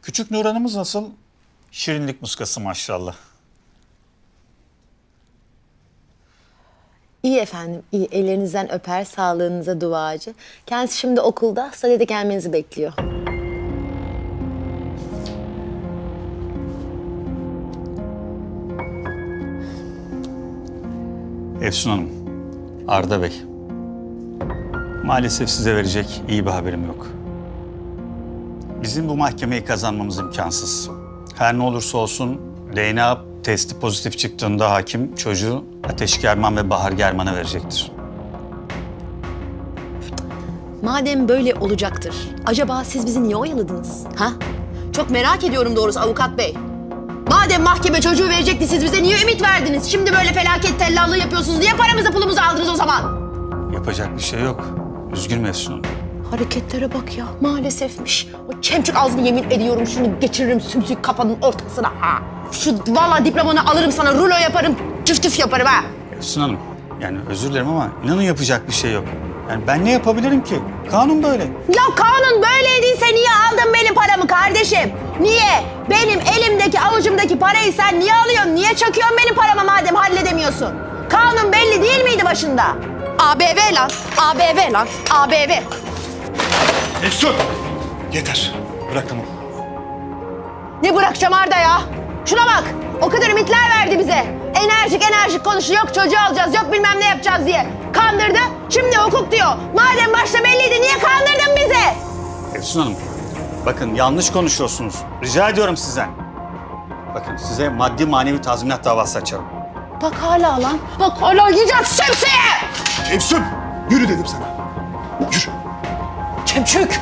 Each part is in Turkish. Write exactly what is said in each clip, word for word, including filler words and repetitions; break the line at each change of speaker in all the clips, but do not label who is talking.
Küçük Nur Hanım'ız nasıl? Şirinlik muskası maşallah.
İyi efendim, iyi. Ellerinizden öper, sağlığınıza duacı. Kendisi şimdi okulda, sadede gelmenizi bekliyor.
Efsun Hanım, Arda Bey. Maalesef size verecek iyi bir haberim yok. Bizim bu mahkemeyi kazanmamız imkansız. Her ne olursa olsun D N A testi pozitif çıktığında hakim çocuğu Ateş German ve Bahar German'a verecektir.
Madem böyle olacaktır, acaba siz bizi niye oyaladınız? Ha? Çok merak ediyorum doğrusu avukat bey. Madem mahkeme çocuğu verecekti, siz bize niye ümit verdiniz? Şimdi böyle felaket tellallığı yapıyorsunuz. Niye paramızı pulumuzu aldınız o zaman?
Yapacak bir şey yok. Üzgünüm Efsun Hanım.
Hareketlere bak ya, maalesefmiş. O çemçük ağzını yemin ediyorum şunu geçiririm sümsük kafanın ortasına ha. Şu vallahi diplomanı alırım sana, rulo yaparım, tüf tüf yaparım ha.
Efsun Hanım, yani özür dilerim ama inanın yapacak bir şey yok. Yani ben ne yapabilirim ki? Kanun böyle.
Ya kanun böyleydiyse niye aldın benim paramı kardeşim? Niye? Benim elimdeki avucumdaki parayı sen niye alıyorsun? Niye çakıyorsun benim parama madem halledemiyorsun? Kanun belli değil miydi başında? A B V lan, A B V lan, A B V.
Efsun! Yeter. Bırak tamam.
Ne bırakacağım Arda ya? Şuna bak, o kadar ümitler verdi bize. Enerjik enerjik konuşuyor, yok çocuğu alacağız, yok bilmem ne yapacağız diye. Kandırdı, şimdi hukuk diyor. Madem başta belliydi, niye kandırdın bizi?
Efsun Hanım, bakın yanlış konuşuyorsunuz. Rica ediyorum sizden. Bakın size maddi manevi tazminat davası açarım.
Bak hala lan, bak hala yiyeceğiz şemsiye!
Efsun! Yürü dedim sana. Yürü.
Çemçük!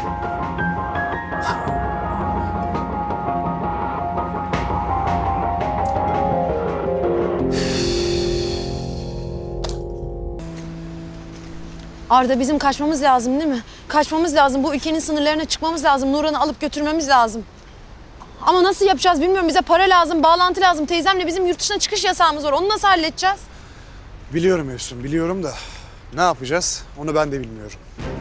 Arda bizim kaçmamız lazım değil mi? Kaçmamız lazım. Bu ülkenin sınırlarına çıkmamız lazım. Nurhan'ı alıp götürmemiz lazım. Ama nasıl yapacağız bilmiyorum. Bize para lazım, bağlantı lazım. Teyzemle bizim yurt dışına çıkış yasağımız var. Onu nasıl halledeceğiz?
Biliyorum Efsun, biliyorum da ne yapacağız onu ben de bilmiyorum.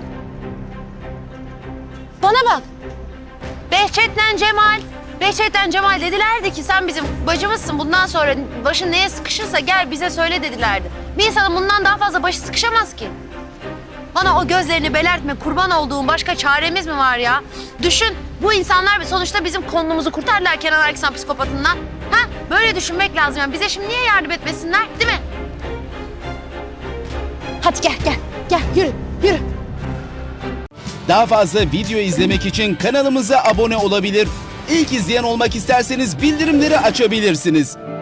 Bana bak. Behçet'le Cemal. Behçet'le Cemal dedilerdi ki sen bizim bacımızsın. Bundan sonra başın neye sıkışırsa gel bize söyle dedilerdi. Bir insanın bundan daha fazla başı sıkışamaz ki. Bana o gözlerini belertme, kurban olduğum başka çaremiz mi var ya? Düşün, bu insanlar sonuçta bizim konumuzu kurtardılar Kenan Erksan psikopatından. Ha? Böyle düşünmek lazım yani. Bize şimdi niye yardım etmesinler, değil mi? Hadi gel, gel. Gel, yürü, yürü.
Daha fazla video izlemek için kanalımıza abone olabilir. İlk izleyen olmak isterseniz bildirimleri açabilirsiniz.